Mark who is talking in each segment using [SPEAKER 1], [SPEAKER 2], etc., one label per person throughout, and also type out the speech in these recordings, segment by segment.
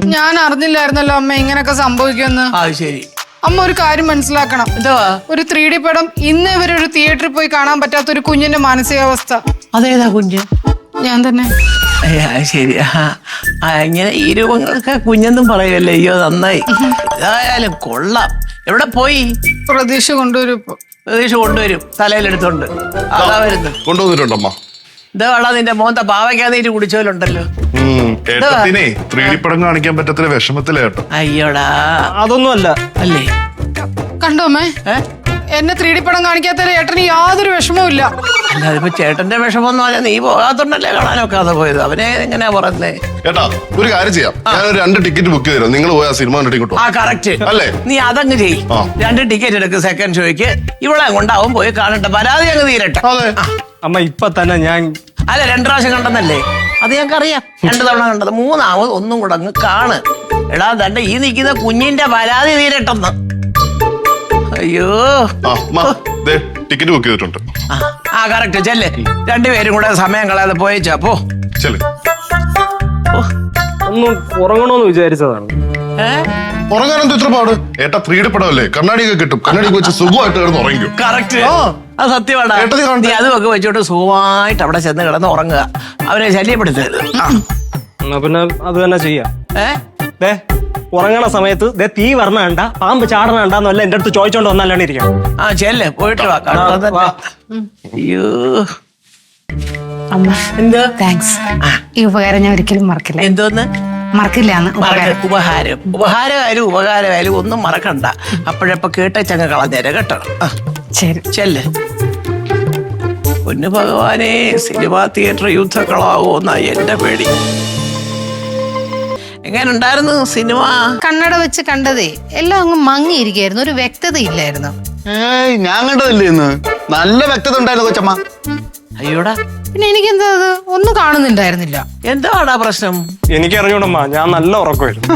[SPEAKER 1] ഞാൻ അറിഞ്ഞില്ലായിരുന്നല്ലോ അമ്മ ഇങ്ങനൊക്കെ സംഭവിക്കുമെന്ന്.
[SPEAKER 2] ശരി.
[SPEAKER 1] അമ്മ ഒരു കാര്യം മനസ്സിലാക്കണം. ഒരു 3D പടം ഇന്നേ വരെ ഒരു തിയേറ്ററിൽ പോയി കാണാൻ പറ്റാത്ത ഒരു കുഞ്ഞിന്റെ മാനസികാവസ്ഥ.
[SPEAKER 2] അതേതാ കുഞ്ഞ്?
[SPEAKER 1] ഞാൻ തന്നെ.
[SPEAKER 2] ശരി. ഇങ്ങനെ ഈ രൂപങ്ങളൊക്കെ കുഞ്ഞെന്നും പറയുമല്ലേ. അയ്യോ നന്നായി. ഏതായാലും കൊള്ളാം. എവിടെ പോയി?
[SPEAKER 1] പ്രതീക്ഷ കൊണ്ടുവരും.
[SPEAKER 2] പ്രതീക്ഷ കൊണ്ടുവരും. തലയിലെടുത്തോണ്ട് അതാ വരുന്നത്.
[SPEAKER 3] കൊണ്ടുവന്നിട്ടുണ്ടമ്മ.
[SPEAKER 2] ഇതാ വെള്ളം നിന്റെ മോന്ത പാവയ്ക്കാന്നീര് കുടിച്ചോലുണ്ടല്ലോ.
[SPEAKER 3] 3D പടം കാണിക്കാൻ പറ്റത്തില്ല വിഷമത്തിലേട്ടോ.
[SPEAKER 2] അയ്യോടാ
[SPEAKER 4] അതൊന്നും അല്ല.
[SPEAKER 2] അല്ലേ?
[SPEAKER 1] കണ്ടോ അമ്മേ, എന്നെ 3D പടം കാണിക്കാത്തതിൽ ഏട്ടന് യാതൊരു വിഷമവും ഇല്ല.
[SPEAKER 2] അല്ല അതിപ്പോ ചേട്ടന്റെ വിഷമം പറഞ്ഞാൽ നീ പോകാത്തോണ്ടല്ലേ കാണാനൊക്കാതെ പോയത്. അവനെ എങ്ങനെയാ പറഞ്ഞേ?
[SPEAKER 3] ഏട്ടാ ഒരു കാര്യം ചെയ്യാം, ഞാനൊരു 2 ടിക്കറ്റ് ബുക്ക് ചെയ്തോ. നിങ്ങൾ പോയി ആ സിനിമ കണ്ടിട്ട്
[SPEAKER 2] കറക്റ്റ്
[SPEAKER 3] അല്ലേ?
[SPEAKER 2] നീ അതങ്ങ് ചെയ്യ്. 2 ടിക്കറ്റ് എടുക്ക് സെക്കൻഡ് ഷോയ്ക്ക്. ഇവിടെ കൊണ്ടാവും പോയി കാണട്ടെ. പരാതി അങ്ങ് തീരട്ടെ.
[SPEAKER 4] അമ്മ ഇപ്പൊ തന്നെ ഞാൻ
[SPEAKER 2] അല്ല 2 പ്രാവശ്യം കണ്ടെന്നല്ലേ? അത് ഞങ്ങൾക്കറിയാം. 2 തവണ കണ്ടത്. 3ാമത് ഒന്നും കൂടെ അങ്ങ് കാണ്. എടാ തന്റെ ഈ നിൽക്കുന്ന കുഞ്ഞിന്റെ പരാതി തീരട്ടെന്ന്. അയ്യോ
[SPEAKER 3] ടിക്കറ്റ് ബുക്ക് ചെയ്തിട്ടുണ്ട്.
[SPEAKER 2] കറക്റ്റ് ചെല്ലേ. 2 പേരും കൂടെ സമയം കളയാതെ പോയേച്ചാ പോ.
[SPEAKER 4] ഒന്നും ഉറങ്ങണോന്ന് വിചാരിച്ചതാണ്.
[SPEAKER 3] ഉറങ്ങാനെന്ത് ഇത്ര പാട്? ഏട്ടാ 3D പടമല്ലേ, കണ്ണാടിയൊക്കെ കിട്ടും. കണ്ണാടി വെച്ച് സുഖമായിട്ട് കിടന്ന് ഉറങ്ങിക്കും.
[SPEAKER 2] കറക്റ്റ്. അത് സത്യമാണ്. നീ അതുമൊക്കെ വെച്ചോട്ട് സുഖമായിട്ട് അവിടെ ചെന്ന് കിടന്ന് ഉറങ്ങുക. അവരെ ശല്യപ്പെടുത്തരുത്.
[SPEAKER 4] പിന്നെ അത് തന്നെ ചെയ്യാം. ഉറങ്ങണ സമയത്ത് തീ വരണ കണ്ട, പാമ്പ് ചാടണ കണ്ടെന്നല്ല എന്റെ അടുത്ത് ചോദിച്ചോണ്ട് വന്നല്ലാണ് ഇരിക്കാം.
[SPEAKER 2] ചെല്ലേ പോയിട്ട് വാ. അയ്യോ
[SPEAKER 1] അമ്മ എന്തോ താങ്ക്സ്. ഈ ഉപകാരം ഞാൻ ഒരിക്കലും മറക്കില്ല.
[SPEAKER 2] എന്തോന്ന്
[SPEAKER 1] മറക്കില്ലാന്ന്?
[SPEAKER 2] ഉപഹാരമായാലും ഉപകാരമായാലും ഒന്നും മറക്കണ്ട. അപ്പോഴപ്പോ കേട്ടങ്ങ് കളഞ്ഞേരെ കേട്ടോ.
[SPEAKER 1] ശരി
[SPEAKER 2] ചെല്ലേ. പൊന്നു ഭഗവാനെ, സിനിമാ തിയേറ്റർ യുദ്ധക്കളാവോന്നാ എന്റെ പേടി. എങ്ങനെ ഉണ്ടായിരുന്നു സിനിമ?
[SPEAKER 5] കണ്ണട വെച്ച് കണ്ടതേ എല്ലാം അങ്ങ് മങ്ങിയിരിക്കായിരുന്നു. ഒരു വ്യക്തത ഇല്ലായിരുന്നു.
[SPEAKER 6] ഞാൻ കണ്ടതല്ലേ ഇന്ന്. നല്ല വ്യക്തത ഉണ്ടായിരുന്നു കൊച്ചമ്മ.
[SPEAKER 2] അയ്യോടാ,
[SPEAKER 5] പിന്നെ എനിക്കെന്താ അത് ഒന്നും കാണുന്നുണ്ടായിരുന്നില്ല.
[SPEAKER 2] എന്താടാ പ്രശ്നം?
[SPEAKER 4] എനിക്കറിഞ്ഞൂടമ്മ, ഞാൻ നല്ല ഉറക്കമായിരുന്നു.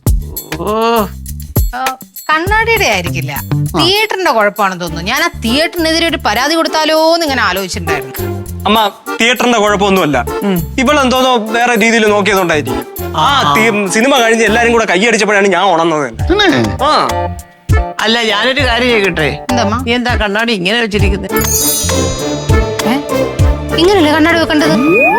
[SPEAKER 5] കണ്ണാടിയുടെ ആയിരിക്കില്ല, തിയേറ്ററിന്റെ കുഴപ്പമാണെന്ന് തോന്നുന്നു. ഞാൻ ആ തിയേറ്ററിനെതിരെ ഒരു പരാതി കൊടുത്താലോ എന്ന് ഇങ്ങനെ ആലോചിച്ചിട്ടുണ്ടായിരുന്നു.
[SPEAKER 4] അമ്മ തിയേറ്ററിന്റെ കുഴപ്പമൊന്നുമല്ല. ഇവളെന്തോന്നോ വേറെ രീതിയിൽ നോക്കിയതുകൊണ്ടായിരിക്കും. സിനിമ കഴിഞ്ഞ് എല്ലാരും കൂടെ കൈയടിച്ചപ്പോഴാണ് ഞാൻ ഉണർന്നത്.
[SPEAKER 2] അല്ല ഞാനൊരു കാര്യം ചെയ്യട്ടെ. നീ എന്താ കണ്ണാടി ഇങ്ങനെ വെച്ചിരിക്കുന്നത്?
[SPEAKER 5] ഇങ്ങനല്ലേ കണ്ണാടി വെക്കേണ്ടത്?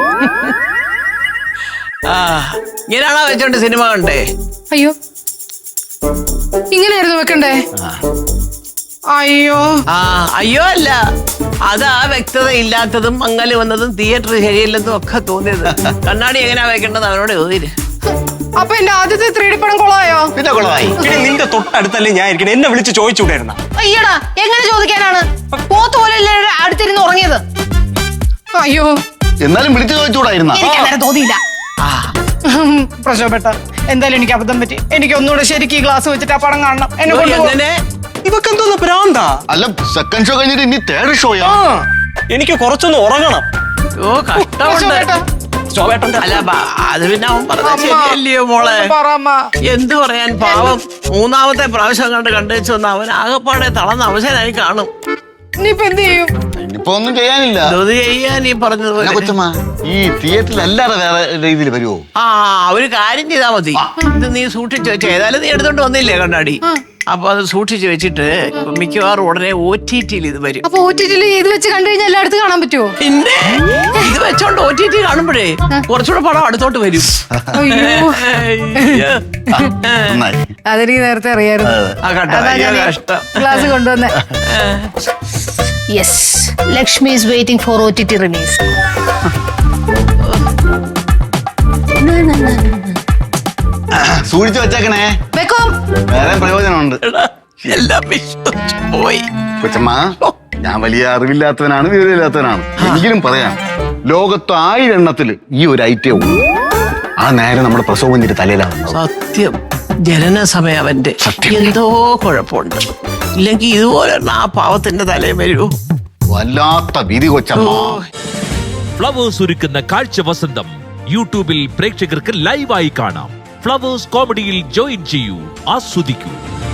[SPEAKER 2] ഇങ്ങനെയാണോ വെച്ചോണ്ട് സിനിമ കണ്ടേ?
[SPEAKER 1] അയ്യോ ഇങ്ങനെയായിരുന്നു വെക്കണ്ടേ? അയ്യോ
[SPEAKER 2] അയ്യോ അല്ല, അതാ വ്യക്തത ഇല്ലാത്തതും മങ്ങല് വന്നതും തിയേറ്റർ ശരിയല്ലെന്നും ഒക്കെ തോന്നിയത്. കണ്ണാടി എങ്ങനെയാ വെക്കേണ്ടത് അവനോട് ചോദിര്.
[SPEAKER 1] അപ്പൊ എന്റെ ആദ്യത്തെ 3D പടം കൊളായോ?
[SPEAKER 6] പിന്നെ കൊളമായി.
[SPEAKER 4] നിന്റെ തൊട്ടടുത്തല്ലേ ഞാൻ ഇരിക്കണേ, എന്നെ വിളിച്ച് ചോദിച്ചുകൂടായിരുന്ന?
[SPEAKER 5] അയ്യടാ, എങ്ങനെ ചോദിക്കാനാണ്? പോത്തോലല്ലേ അടുത്തിരുന്ന് ഉറങ്ങിയത്.
[SPEAKER 1] അയ്യോ
[SPEAKER 6] എന്നാലും വിളിച്ചു ചോദിച്ചുകൂടായിരുന്ന?
[SPEAKER 5] എനിക്ക് തോന്നിയില്ല.
[SPEAKER 1] പ്രശോഭേട്ട, എന്തായാലും എനിക്ക് അബദ്ധം പറ്റി. എനിക്ക് ഒന്നുകൂടെ ശരിക്കും ഈ ഗ്ലാസ് വെച്ചിട്ട് ആ പടം കാണണം.
[SPEAKER 4] ഇവക്ക് എന്തോന്ന് പ്രാന്താ?
[SPEAKER 6] അല്ല സെക്കൻഡ് ഷോ കഴിഞ്ഞിട്ട് ഇനി 3rd ഷോയാ.
[SPEAKER 4] എനിക്ക് കുറച്ചൊന്ന് ഉറങ്ങണം.
[SPEAKER 2] അല്ല അത് പിന്നെ അവൻ പറഞ്ഞ ശരിയല്ലയോ മോളെ? എന്തു പറയാൻ, പാവം 3ാമത്തെ പ്രാവശ്യം കണ്ടു വെച്ചൊന്ന് അവൻ ആകെപ്പാടെ തളർന്ന അവശനായി കാണും.
[SPEAKER 1] ഇനിയിപ്പോ എന്ത് ചെയ്യും?
[SPEAKER 6] ഇനിയിപ്പോ ഒന്നും ചെയ്യാനില്ല.
[SPEAKER 2] ചെയ്യാൻ ഈ പറഞ്ഞതുപോലെ
[SPEAKER 6] കൊച്ചമ്മ ഈ തിയേറ്ററിൽ അല്ലാതെ വേറെ രീതിയിൽ വരുമോ?
[SPEAKER 2] ഒരു കാര്യം ചെയ്താ മതി. ഇത് നീ സൂക്ഷിച്ചു വെച്ച, ഏതായാലും നീ എടുത്തോണ്ട് വന്നില്ലേ കണ്ണാടി? അപ്പൊ അത് സൂക്ഷിച്ചു വെച്ചിട്ട് മിക്കവാറും ഉടനെ OTT-ൽ ഇത് വരും.
[SPEAKER 1] അപ്പൊ OTT-ൽ ഇത് വെച്ച് കണ്ടു കഴിഞ്ഞാൽ എല്ലായിടത്തും കാണാൻ പറ്റുമോ?
[SPEAKER 2] പിന്നെ ഇത് വെച്ചോണ്ട് OTT കാണുമ്പോഴേ കുറച്ചുകൂടെ പടം അടുത്തോട്ട് വരും.
[SPEAKER 1] അതെനിക്ക് നേരത്തെ അറിയായിരുന്നു. ഗ്ലാസ് കൊണ്ടുവന്നേ.
[SPEAKER 5] Yes, Lakshmi is waiting for OTT release.
[SPEAKER 6] സൂക്ഷിച്ചു വെച്ചേക്കണേ,
[SPEAKER 5] വെക്കോം.
[SPEAKER 6] വേറെ പ്രയോജനമുണ്ട്.
[SPEAKER 2] എല്ലാം വിശ്വസിച്ചു പോയി.
[SPEAKER 6] കൊച്ചമ്മ, ഞാൻ വലിയ അറിവില്ലാത്തവനാണ്, വിവരമില്ലാത്തവനാണ്. എങ്കിലും പറയാം, ലോകത്ത് 1000 എണ്ണത്തില് ഈ ഒരു ഐറ്റം ഉള്ളൂ. ആ നേരം നമ്മുടെ പ്രസവത്തിന്റെ തലയിലാണ്.
[SPEAKER 2] സത്യം, ജനന സമയം അവന്റെ എന്തോ കുഴപ്പമുണ്ട്. ഇല്ലെങ്കിൽ ഇതുപോലെ ആ പാവത്തിന്റെ തലയിൽ വരൂ.
[SPEAKER 6] വല്ലാത്ത വിധി കൊച്ചമ്മ.
[SPEAKER 7] ഫ്ലവേഴ്സ് ഒരുക്കുന്ന കാഴ്ച വസന്തം യൂട്യൂബിൽ പ്രേക്ഷകർക്ക് ലൈവായി കാണാം. ഫ്ലവേഴ്സ് കോമഡിയിൽ ജോയിൻ ചെയ്യൂ, ആസ്വദിക്കൂ.